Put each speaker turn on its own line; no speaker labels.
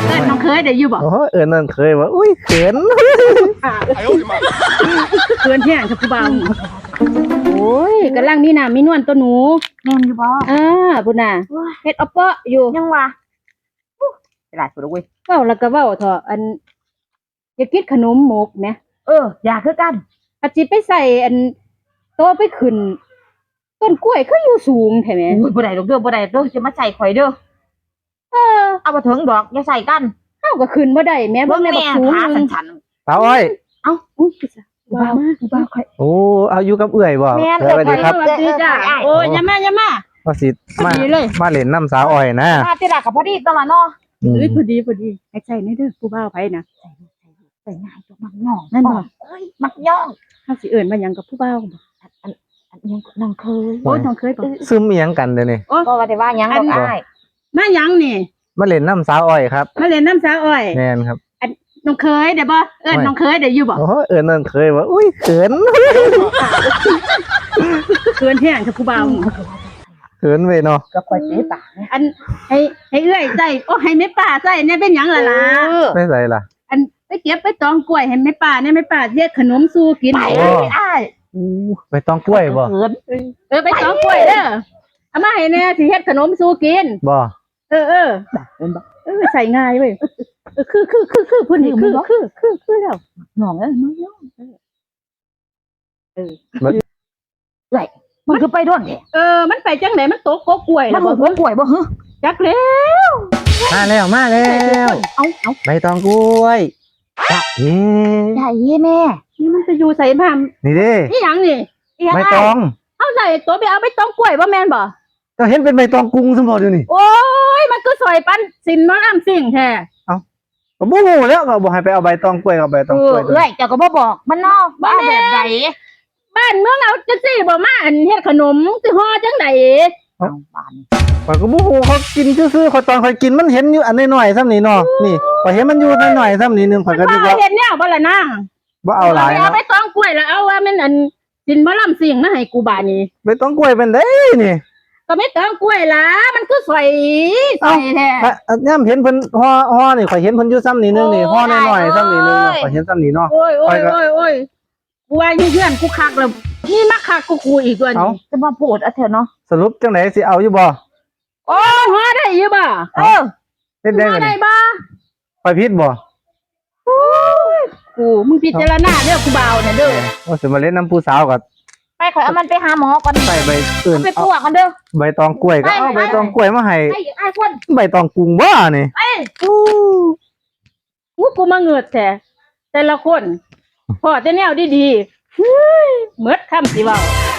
น้องเคยได้อยู่บ่
โอ้นั่นเคยว่าอุ้ยเขิน
เกินแห้งกับผู้บ่าวโอ้ยกำลังมีน้ำมีนวลตัวหนู
แม่นอยู่บ่
พุ่นน่ะเฮ็ดเอาเปาะอยู่
ยังวะตลาดสุดเว้ย
เว้าแล้วก็เว้าเถอะอันอยากกินขนมหมกแหม
อยากคือกัน
อาจิไปใส่อันโตไปขึ้นต้นกล้วยคืออยู่สูงแท้แหม
บ่ได้ดอกเด้อบ่ได้เด้อจะมาใส่ข่อยเด้อเอาบ่ถึงดอกอย่าใส่กัน
เฮาก็ขึ้นบ่ได้แม่บ่แม่บักสูง
ฉัน
สาวอ้อย
อุ้ยว่ามา
ค่อยโอ้เอาอยู่กับเอื้อยบ่สวัสดีครับ
สวัสดีจ้าโอ้ยอย่ามา
ว่าสิมาเล่นน้ำสาวอ้อยนะ
มาติละก็พอดีตลอดเนาะ
พอดีให้ใจในเด้อผู้บ่าวไผนะ
ใส่ง่ายตัวมักย่องนั่นบ่มักย่อง
เฮาสิเอิ้นว่าหยังกับผู้บ่าวบ่
อันยังน้องเคย
โอ้น้องเคยบ่
ซึมอีหยังกันเด้อนี่
ก็ว่าได้ว่าหยังดอกอ้าย
มาหยังนี่
มาเล่นน้ำสาวอ้อยครับ
มาเล่นน้ำสาวอ้อย
แม่นครับ
น้องเคยได้บ่น้องเคยได้อยู่บ่
โอ้นั่นเคยว่าอุ้ยเขิน
เกินแห้งกับผู้บ่าว
เขินเว้ยเนาะ
ก็ค่อยเตะปาก
อันให้เอื้อยใส่ให้แม่ป้าใส่เนี่ยเป็นหยังล่ะ
ไม่ใส่ล่ะ
อันไปเก็บไปตองกล้วยให้แม่ป้าเนี่ยแม่ป้าเฮ็ดขนมสู่กิน
ไปอ้าย
ไปตองกล้วยบ่
ไปตองกล้วยเด้อเอามาให้แน่สิเฮ็ดขนมสู่กิน
บ่
ใส่ง่ายเว้ยคือเพิ่นนี่คือแล้ว
หน่องมันย่องมันคือไปด้วยเนี่ย
มันไปจังไหนมันตกกกล้วย
แล้วบ่กล้วยบ่ฮะ
จักแล้ว
มาแล้ว
เอา
ใบตองกล้วย
ใหญ่แม่
นี่มันจะอยู่ใส่บ้าน
นี่ดิ
นี่หยังนี่
ใบตอง
เอาใส่ตัวไปเอาใบตองกล้วยบ่แม่นบ่
ก็เห็นเป็นใบตองกุ้งสมบูรณ์อยู่นี่
โอ้ยมันก็สวยปันสินมาอ้ำสิ่งแท้
ก็บ่ฮู้แล้วก็บอกให้ไปเอาใบตองกล้วยกับใบตองกล้วย
เจ้าก็บ่บอกมันนอกบ้านแบบใด
บ้านเมืองเอาจังซี่บ่มาอันเฮ็ดขนมสิห่อจังได๋
บ้าน
ข้อยก็บ่ฮู้เขากินซื่อๆข้อยตอนข้อยกินมันเห็นอยู่อันน้อยๆซ้ำนี่เนาะนี่ข้อยเห็นมันอยู่น้อยๆซ้ำนี่นึงข้อยก็นึกว่า
เห็นแนวบ่ล่ะนาง
บ่เอาหลายนะ
เอาใบตองกล้วยแล้วเอาว่ามันอันสินบ่ล่ำสิ่งมาให้กูบาดนี้
ใบตองกล้วยเป็นได้นี่
ก็ไม่ตองกล้วยล่ะมันคือสวยแท้
ย่ำเห็นเพิ่นห่อนี่ข่อยเห็นเพิ่นอยู่ซ้ำนี่นึงนี่ห่อน้อยๆซ้ำนี่นึงข่อยเห็นซ้ำนี่เนาะ
โอ้ยกูว่าอยู่เพื่อนกูคักแล้วนี่มาคักกูอีกตัวนี้
จะมาโปรดเอาเถอะเนาะ
สรุปจังไหนสิเอาอยู่บ่
โอ้ห่อได้อยู่บ่
เฮ็ดได้
บ่
ข่อยผิดบ่
กูมึงพิจารณาเด้อกูบ่าวเนี่ยเด้อ
ว่าสิมาเล่นน้ำผู้สาวก็
ไปข่อยเอามันไปหาหมอก่อน
ใส่ใบอื่น
ไปปลวกกันเด้อ
ใบตองกล้วยก็เอาใบตองกล้วยมาให้
ไอ้คน
ใบตองกุ้งบ่นี่
กูมาเงือดแต่ละคนพอแต่แนวดีๆเฮ้ยเมิดคำสิเว้า